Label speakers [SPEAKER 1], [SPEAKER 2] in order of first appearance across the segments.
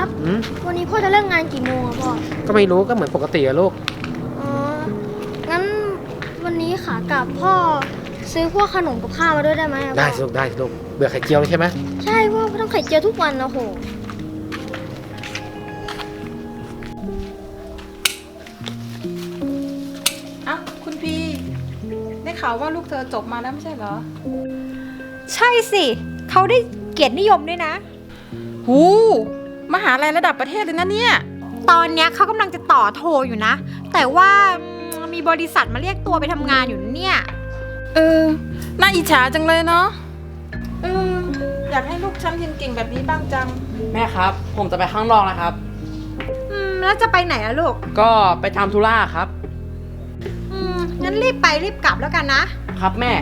[SPEAKER 1] ครับวันนี้พ่อจะเลิกงานกี่โมงอะพ่อ
[SPEAKER 2] ก็ไม่รู้ก็เหมือนปกติอะลูก
[SPEAKER 1] อ๋องั้นวันนี้ขากลับพ่อซื้อพวกขนมกับข้าวมาด้วยได้ไหม
[SPEAKER 2] ได้สิลูกได้สิลูกเบื่อไข่เจียวใช่ไหม
[SPEAKER 1] ใช่พ่อต้องไข่เจียวทุกวันนะโห
[SPEAKER 3] อ้าวคุณพีได้ข่าวว่าลูกเธอจบมาแล้วไม่ใช่เหรอ
[SPEAKER 4] ใช่สิเขาได้เกียรตินิยมด้วยนะ
[SPEAKER 3] หูมหาลัยระดับประเทศเลยนะเนี่ย
[SPEAKER 4] ตอนเนี้ยเขากำลังจะต่อโทอยู่นะแต่ว่ามีบริษัทมาเรียกตัวไปทำงานอยู่เนี่ย
[SPEAKER 3] น่าอิจฉาจังเลยเนาะอยากให้ลูกฉันเรียนเก่งแบบนี้บ้างจัง
[SPEAKER 5] แม่ครับผมจะไปข้างนอกนะครับ
[SPEAKER 4] แล้วจะไปไหนอะลูก
[SPEAKER 5] ก็ไปทำธุระครับ
[SPEAKER 4] งั้นรีบไปรีบกลับแล้วกันนะครับ
[SPEAKER 5] แม่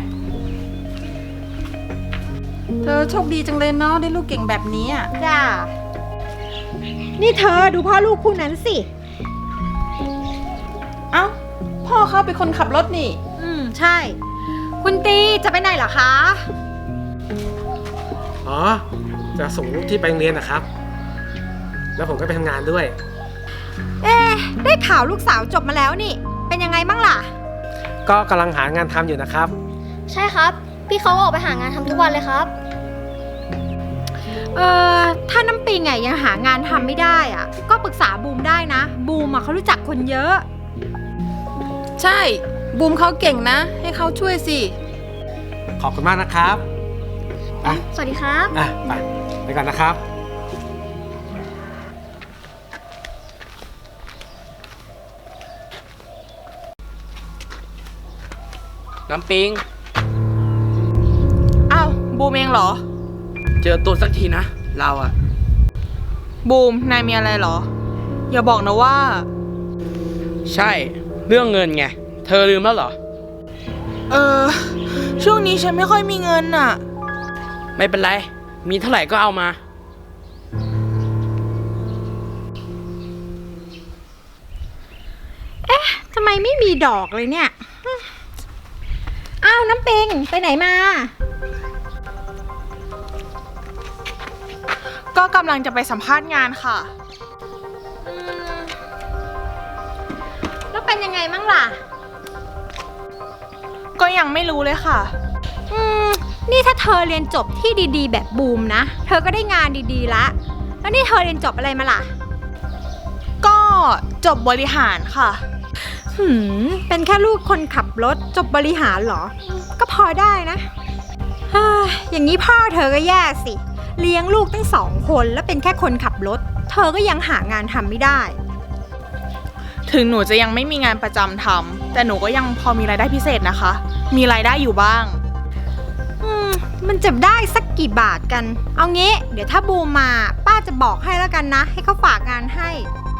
[SPEAKER 3] เธอโชคดีจังเลยเนาะได้ลูกเก่งแบบนี้อ่ะ
[SPEAKER 4] จ้านี่เธอดูพ่อลูกคู่นั้นสิ
[SPEAKER 3] เอ้าพ่อเขาเป็นคนขับรถนี่
[SPEAKER 4] ใช่คุณตีจะไปไหนเหรอคะ
[SPEAKER 2] อ๋อจะส่งลูกที่ไปโรงเรียนนะครับแล้วผมก็ไปทำงานด้วย
[SPEAKER 4] ได้ข่าวลูกสาวจบมาแล้วนี่เป็นยังไงบ้างล่ะ
[SPEAKER 2] ก็กำลังหางานทำอยู่นะครับ
[SPEAKER 1] ใช่ครับพี่เขาออกไปหางานทำทุกวันเลยครับ
[SPEAKER 4] ถ้าน้ำปิงยังหางานทำไม่ได้อ่ะก็ปรึกษาบูมได้นะบูมเขารู้จักคนเยอะ
[SPEAKER 3] ใช่บูมเขาเก่งนะให้เขาช่วยสิ
[SPEAKER 2] ขอบคุณมากนะครับ
[SPEAKER 1] สวัสดีครับ
[SPEAKER 2] ไปก่อนนะครับ
[SPEAKER 5] น้ำปิง
[SPEAKER 3] อ้าวบูมเองเหรอ
[SPEAKER 5] เจอตัวสักทีนะเราอะ
[SPEAKER 3] บูมนายมีอะไรเหรออย่าบอกนะว่า
[SPEAKER 5] ใช่เรื่องเงินไงเธอลืมแล้วเหรอ
[SPEAKER 3] ช่วงนี้ฉันไม่ค่อยมีเงินน่ะ
[SPEAKER 5] ไม่เป็นไรมีเท่าไหร่ก็เอามา
[SPEAKER 4] ทำไมไม่มีดอกเลยเนี่ยอ้าวน้ำปิงไปไหนมา
[SPEAKER 3] ก็กำลังจะไปสัมภาษณ์งานค่ะ
[SPEAKER 4] แล้วเป็นยังไงมั่งล่ะ
[SPEAKER 3] ก็ยังไม่รู้เลยค่ะ
[SPEAKER 4] นี่ถ้าเธอเรียนจบที่ดีๆแบบบูมนะเธอก็ได้งานดีๆละแล้วนี่เธอเรียนจบอะไรมาล่ะ
[SPEAKER 3] ก็จบบริหารค่ะ
[SPEAKER 4] เป็นแค่ลูกคนขับรถจบบริหารเหรอก็พอได้นะอย่างนี้พ่อเธอก็แย่สิเลี้ยงลูกตั้ง2 คนแล้วเป็นแค่คนขับรถเธอก็ยังหางานทำไม่ได้
[SPEAKER 3] ถึงหนูจะยังไม่มีงานประจำทำแต่หนูก็ยังพอมีรายได้พิเศษนะคะมีรายได้อยู่บ้าง
[SPEAKER 4] มันจะได้สักกี่บาทกันเอางี้เดี๋ยวถ้าบูมมาป้าจะบอกให้แล้วกันนะให้เขาฝากงานให้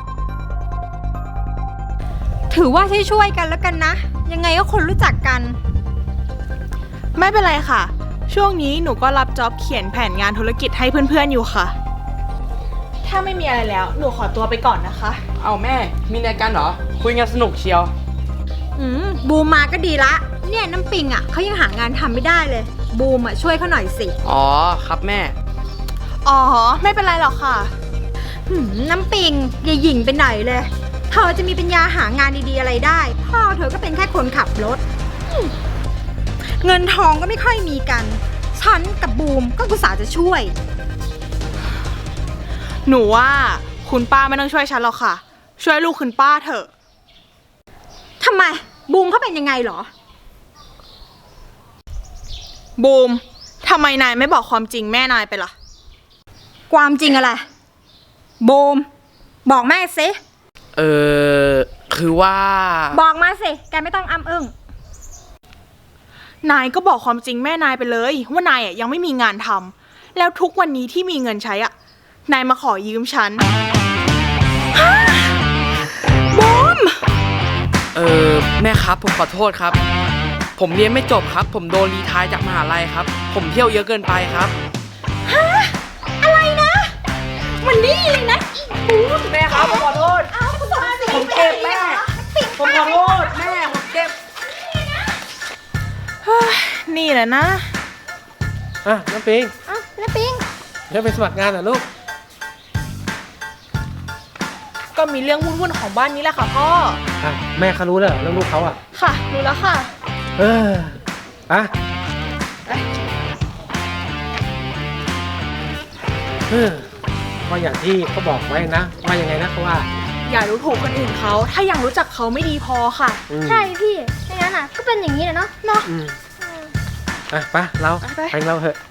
[SPEAKER 4] ถือว่าช่วยกันแล้วกันนะยังไงก็คนรู้จักกัน
[SPEAKER 3] ไม่เป็นไรค่ะช่วงนี้หนูก็รับจ็อบเขียนแผนงานธุรกิจให้เพื่อนๆอยู่ค่ะถ้าไม่มีอะไรแล้วหนูขอตัวไปก่อนนะคะ
[SPEAKER 5] เอาแม่มีรายการเหรอคุยงานสนุกเชียว
[SPEAKER 4] บูมมาก็ดีละเนี่ยน้ำปิงเขายังหางานทำไม่ได้เลยบูมช่วยเขาหน่อยสิ
[SPEAKER 5] อ๋อครับแม่
[SPEAKER 3] อ๋อไม่เป็นไรหรอกค่ะ
[SPEAKER 4] น้ำปิงอย่าหยิ่งไปไหนเลยเธอจะมีปัญญาหางานดีๆอะไรได้พ่อเธอก็เป็นแค่คนขับรถเงินทองก็ไม่ค่อยมีกันฉันกับบูมก็อุตส่าห์จะช่วย
[SPEAKER 3] หนูว่าคุณป้าไม่ต้องช่วยฉันหรอกค่ะช่วยลูกคุณป้าเถอะ
[SPEAKER 4] ทำไมบูมเขาเป็นยังไงเหรอ
[SPEAKER 3] บูมทำไมนายไม่บอกความจริงแม่นายไปล่ะ
[SPEAKER 4] ความจริงอะไรบูมบอกแม่สิ
[SPEAKER 5] คือว่า
[SPEAKER 4] บอกมาสิแกไม่ต้องอ้ำอึ้ง
[SPEAKER 3] นายก็บอกความจริงแม่นายไปเลยว่านายยังไม่มีงานทำแล้วทุกวันนี้ที่มีเงินใช้นายมาขอยืมฉันบูม
[SPEAKER 5] แม่ครับผมขอโทษครับผมเรียนไม่จบครับผมโดนรีไทร์จากมหาลัยครับผมเที่ยวเยอะเกินไปครับ
[SPEAKER 4] อะไรนะมันนี่เลยนะ
[SPEAKER 5] แม่ครับผมขอโทษผมเจ็บแม่ผมขอโทษแม่ผมเจ็บ
[SPEAKER 3] นี่แหละนะ
[SPEAKER 2] น้ำปิง
[SPEAKER 1] น้ำปิง
[SPEAKER 2] เดี๋ยวไปสมัครงานเหรอลูก
[SPEAKER 3] ก็มีเรื่องวุ่นๆของบ้านนี้แหละค่ะพ่อ
[SPEAKER 2] อ่ะแม่เขารู้แล้วเหรอเรื่องลูกเขาอ่ะ
[SPEAKER 3] ค่ะรู้แล้วค่ะ
[SPEAKER 2] เอออะเออก็อย่างที่เขาบอกไว้นะว่ายังไงนะเขาว่า
[SPEAKER 3] อย่ารู้ถูกคนอื่นเขาถ้ายังรู้จักเขาไม่ดีพอค่ะ
[SPEAKER 2] อืม
[SPEAKER 1] ใช่พี่ไม่งั้นอ่ะก็เป็นอย่างนี้แหละเนาะ
[SPEAKER 2] อืมอ่ะไปเรา
[SPEAKER 3] ไป
[SPEAKER 2] ไปเราเถอะ